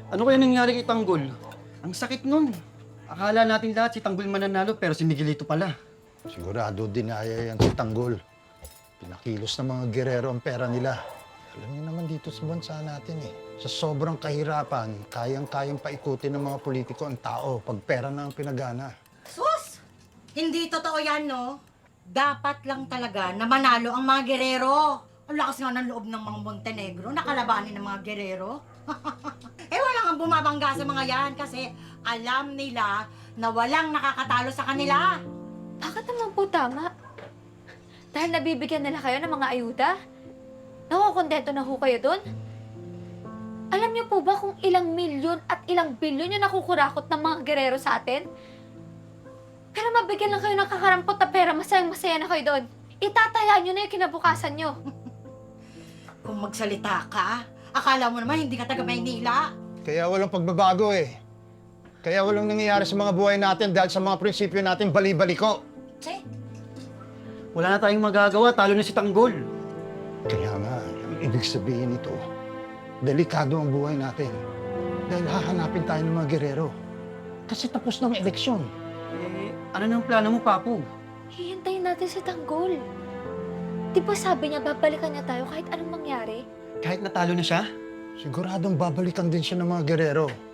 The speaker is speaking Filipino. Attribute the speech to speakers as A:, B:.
A: Ano kaya nangyari kay Tanggol? Ang sakit nun. Akala natin lahat si Tanggol mananalo pero si Miguelito pala.
B: Sigurado dinaya yan si Tanggol. Pinakilos ng mga gerero ang pera nila. Alam niyo naman dito sa bansa natin sa sobrang kahirapan, kayang-kayang paikutin ng mga politiko ang tao pag pera na ang pinagana.
C: Sus! Hindi totoo yan, no? Dapat lang talaga na manalo ang mga gerero. Ang lakas nga ng loob ng mga Montenegro, nakalabanin ng mga gerero. Wala nga bumabangga sa mga yan kasi alam nila na walang nakakatalo sa kanila.
D: Bakit naman po tama? Dahil nabibigyan nila kayo ng mga ayuda? Nakukontento na ho kayo dun? Alam niyo po ba kung ilang milyon at ilang bilyon yung nakukurakot ng mga gerero sa atin? Pero mabigyan lang kayo ng kakarampot na pera, masayang-masaya na kayo doon. Itataya niyo na yung kinabukasan niyo.
C: Kung magsalita ka, akala mo naman hindi ka taga Maynila.
B: Kaya walang pagbabago Kaya walang nangyayari sa mga buhay natin dahil sa mga prinsipyo natin bali-baliko.
C: Che,
A: Wala na tayong magagawa, talo na si Tanggol.
B: Kaya nga, ang ibig sabihin nito, delikado ang buhay natin. Dahil hahanapin tayo ng mga gerero. Kasi tapos ng eleksyon.
A: Ano nang plano mo, Papu?
D: Hihintayin natin si Tanggol. Di ba sabi niya babalikan niya tayo kahit anong mangyari?
A: Kahit natalo na siya?
B: Siguradong babalikan din siya ng mga gerero.